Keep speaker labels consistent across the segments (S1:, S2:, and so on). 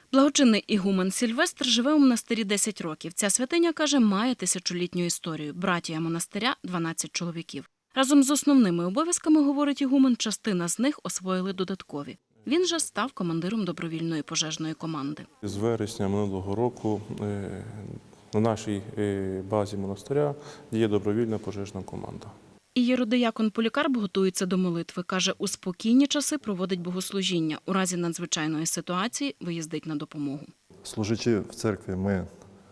S1: Благочинний ігумен Сильвестр живе у монастирі 10 років. Ця святиня, каже, має тисячолітню історію. Братія монастиря – 12 чоловіків. Разом з основними обов'язками, говорить ігумен, частина з них освоїли додаткові. Він же став командиром добровільної пожежної команди.
S2: З вересня минулого року на нашій базі монастиря є добровільна пожежна команда.
S1: І єродиякон Полікарп готується до молитви. Каже, у спокійні часи проводить богослужіння. У разі надзвичайної ситуації виїздить на допомогу.
S3: Служачи в церкві, ми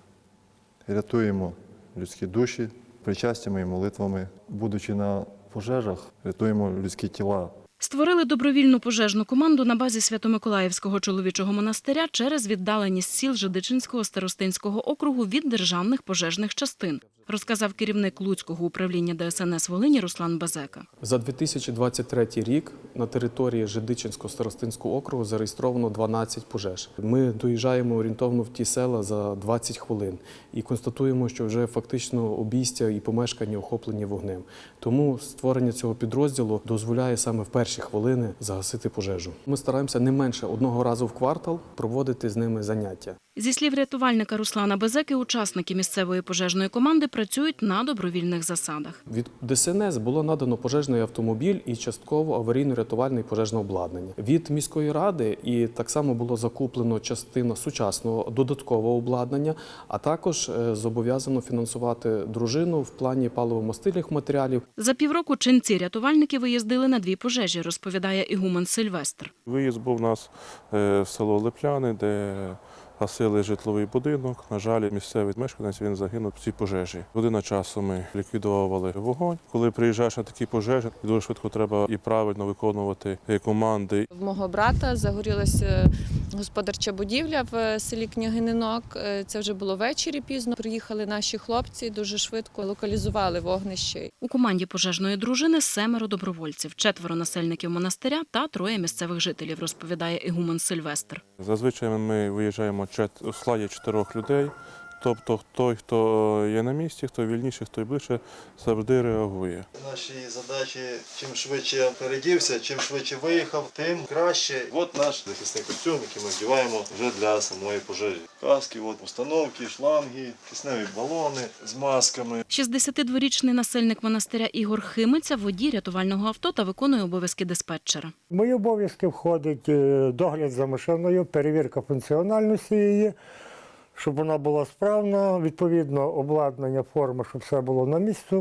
S3: рятуємо людські душі причастями і молитвами. Будучи на пожежах, рятуємо людські тіла.
S1: Створили добровільну пожежну команду на базі Свято-Миколаївського чоловічого монастиря через віддаленість сіл Жидичинського старостинського округу від державних пожежних частин, розказав керівник Луцького управління ДСНС Волині Руслан Базека.
S4: За 2023 рік на території Жидичинського старостинського округу зареєстровано 12 пожеж. Ми доїжджаємо орієнтовно в ті села за 20 хвилин і констатуємо, що вже фактично обійстя і помешкання охоплені вогнем. Тому створення цього підрозділу дозволяє саме в перші хвилини загасити пожежу. Ми стараємося не менше одного разу в квартал проводити з ними заняття.
S1: Зі слів рятувальника Руслана Базеки, учасники місцевої пожежної команди працюють на добровільних засадах.
S4: Від ДСНС було надано пожежний автомобіль і частково аварійно-рятувальне і пожежне обладнання. Від міської ради і так само було закуплено частина сучасного додаткового обладнання, а також зобов'язано фінансувати дружину в плані паливо-мастильних матеріалів.
S1: За півроку ченці-рятувальники виїздили на 2 пожежі, розповідає ігумен Сильвестр.
S2: Виїзд був у нас в село Липляни, де гасили житловий будинок. На жаль, місцевий мешканець він загинув в цій пожежі. Година часу ми ліквідовували вогонь. Коли приїжджаєш на такі пожежі, дуже швидко треба і правильно виконувати команди.
S5: В мого брата загорілася господарча будівля в селі Княгининок. Це вже було ввечері пізно. Приїхали наші хлопці, дуже швидко локалізували вогнище.
S1: У команді пожежної дружини 7 добровольців, 4 насельників монастиря та 3 місцевих жителів, розповідає ігумен Сильвестр.
S2: Зазвичай ми виїжджаємо у складі 4 людей. Тобто той, хто є на місці, хто вільніше, хто ближче, завжди реагує.
S6: Наші задачі, чим швидше передівся, чим швидше виїхав, тим краще. От наш захисний костюм, який ми вдіваємо вже для самої пожежі. Каски, установки, шланги, кисневі балони з масками.
S1: 62-річний насельник монастиря Ігор Химиця – водій рятувального авто та виконує обов'язки диспетчера.
S7: В мої обов'язки входить догляд за машиною, перевірка функціональності її, щоб вона була справна, відповідно обладнання, форма, щоб все було на місці.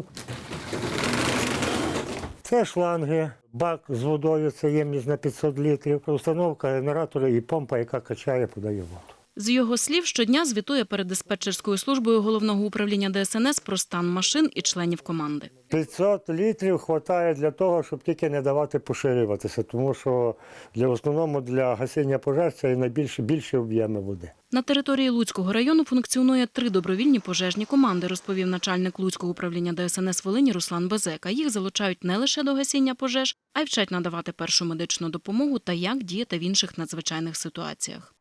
S7: Це шланги, бак з водою, це ємність на 500 літрів, установка генератора і помпа, яка качає, подає воду.
S1: З його слів, щодня звітує перед диспетчерською службою Головного управління ДСНС про стан машин і членів команди.
S7: 500 літрів вистачає для того, щоб тільки не давати поширюватися, тому що в основному для гасіння пожеж це і найбільші об'єми води.
S1: На території Луцького району функціонує 3 добровільні пожежні команди, розповів начальник Луцького управління ДСНС Волині Руслан Базека. Їх залучають не лише до гасіння пожеж, а й вчать надавати першу медичну допомогу та як діяти в інших надзвичайних ситуаціях.